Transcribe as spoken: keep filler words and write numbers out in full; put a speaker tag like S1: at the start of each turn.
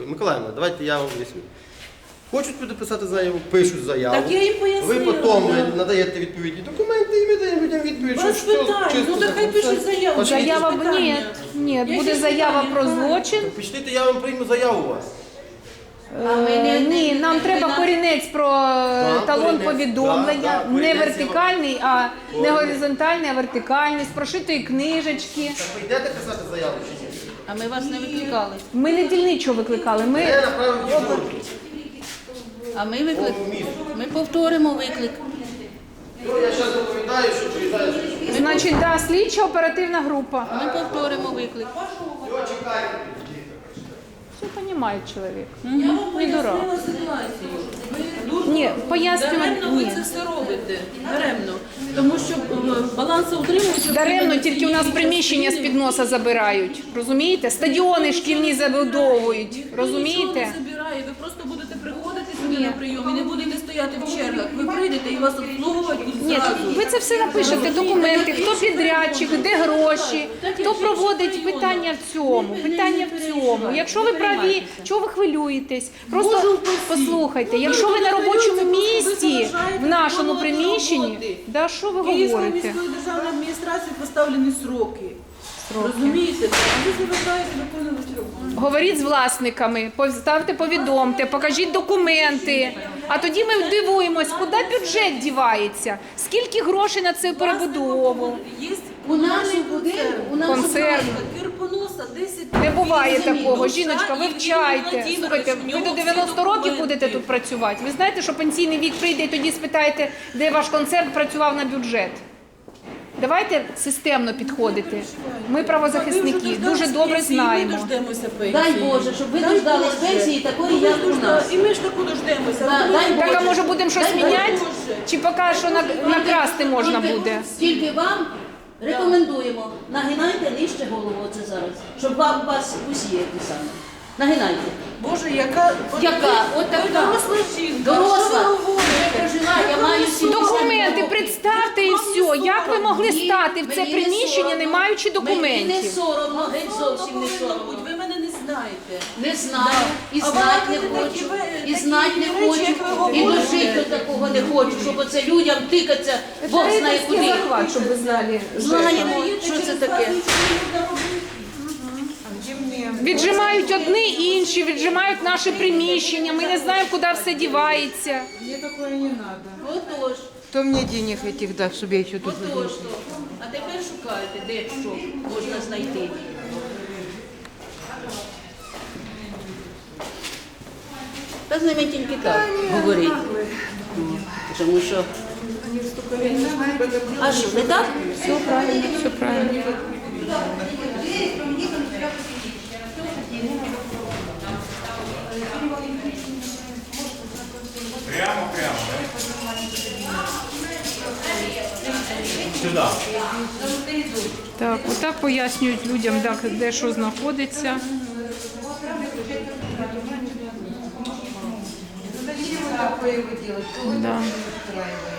S1: Миколаївна, давайте я вам об'ясню. Хочуть люди писати заяву, пишуть заяву.
S2: Так я їм пояснила.
S1: Ви потім
S2: да.
S1: надаєте відповідні документи і ми даємо людям відповідь, що
S2: Без
S1: все
S2: питань,
S1: чисто.
S2: ну нехай пишуть заяву.
S1: Пошли.
S3: Заява
S2: Які
S3: б
S2: питання?
S3: ні, ні,
S2: Які
S3: буде
S2: ж
S3: заява
S2: питання?
S3: про
S2: Правильно.
S3: злочин.
S1: Пішліть, я вам прийму заяву у вас.
S3: Е, Ні, нам треба корінець про
S1: Так,
S3: талон
S1: корінець.
S3: повідомлення,
S1: Так, так,
S3: не
S1: корінець
S3: вертикальний, а не
S1: Корінець.
S3: горизонтальний, а вертикальний, з прошитої книжечки.
S1: Так ви йдете писати заяву чи ні?
S2: А ми вас не викликали.
S3: Ми не дільничого викликали, ми
S1: Я направив дежурку.
S2: А ми виклик.
S1: О, місто.
S2: Ми повторимо виклик.
S1: Ну, я зараз доповідаю, що приїжджаю.
S3: значить, да, слідча оперативна група.
S2: Ми повторимо виклик.
S1: Все, чекайте.
S3: Все розуміє чоловік.
S4: Я вам
S3: Не дурак.
S4: пояснила ситуацію. Ви дуже
S3: Ні, пояснювати
S4: даремно ви
S3: ні.
S4: це все робите. Даремно. Тому що е, балансоутримуюча...
S3: Даремно тільки у нас приміщення з-під носа забирають. Розумієте? Стадіони шкільні забудовують. Розумієте?
S4: Нічого не забирає. Ви просто будете приходити сюди на прийом і не будете стояти в чергах. Ви прийдете і вас обслуговувати будуть
S3: Ні,
S4: зразу.
S3: ви це все напишете, документи, хто підрядчик, де гроші, хто проводить питання в цьому, питання в цьому. Якщо ви праві, чого ви хвилюєтесь? Просто послухайте, якщо ви на робочому місці, в нашому приміщенні, да що ви
S4: Київською
S3: говорите?
S4: міською державною адміністрацією поставлені сроки. Розумієте? Ви заважаєте виконувати роботу.
S3: Говоріть з власниками, поставте, повідомте, покажіть документи. А тоді ми дивуємось, куди бюджет дівається, скільки грошей на цю перебудову.
S4: Є
S2: У нашому будинку, у нашому
S3: Концерт.
S4: Кирпоноса десять.
S3: Не буває
S2: Розумію.
S3: такого. Жіночка, вивчайте. Слухайте, ви до дев'яноста років будете тут працювати. Ви знаєте, що пенсійний вік прийде і тоді спитаєте, де ваш концерт працював на бюджет. Давайте системно підходити. Ми правозахисники, дуже добре
S4: Ми
S3: знаємо.
S4: дождемося пенсії.
S2: Дай Боже, щоб ви
S4: Дай
S2: дождались
S4: Боже.
S2: пенсії такої,
S4: Ну, ви
S2: як у
S4: дожда-
S2: нас.
S4: І ми ж таку дождемося.
S2: Да,
S4: Ви
S2: дай
S4: думаєте,
S3: Так, а може будемо щось
S2: Дай
S3: міняти?
S4: Боже.
S3: Чи поки що на- накрасти можна
S2: Тільки-
S3: буде?
S2: Тільки вам рекомендуємо, нагинайте нижче голову оце зараз, щоб вам вас усі ті самі. Нагинайте.
S4: Боже, яка...
S2: Яка? От така.
S4: Ви доросла жінка.
S2: Доросла.
S4: Що ви говорите?
S2: Я прожила, я маю сімдесят
S3: Документи
S2: років.
S3: представте і все. Як ви могли
S2: Мені-
S3: стати в це
S2: мені не
S3: приміщення, не
S2: соромно.
S3: маючи
S2: Мені не
S3: документів?
S2: соромно, геть зовсім не
S4: Повинно
S2: соромно.
S4: бути. Ви мене не знаєте.
S2: Не знаю, і
S4: А
S2: знати
S4: ви
S2: не
S4: такі
S2: хочу,
S4: ви-
S2: і
S4: такі
S2: знати не
S4: речі,
S2: хочу,
S4: як ви
S2: і
S4: говорите.
S2: дожити до такого не хочу, щоб оце людям тикатися, Бог знає куди.
S3: захват, щоб ви знали.
S2: Знаємо, що це таке.
S3: Віджимають одні, інші, віджимають наше приміщення. Ми не знаємо, куди все дівається.
S5: Мне такое не надо.
S2: Отож,
S5: Кто мне денег этих даст, чтобы я еще тут
S2: отож.
S5: жила?
S2: А тепер шукайте, де що можна знайти. Та з ними тільки так говорить. Тому що... А що, не так?
S3: Все правильно, все правильно.
S6: Прямо, прямо, да? Сюда.
S3: Так, отак пояснюють людям, де, де що знаходиться.
S5: Зачем вы такое вы делаете? Кого это
S3: Да.
S5: устраивает?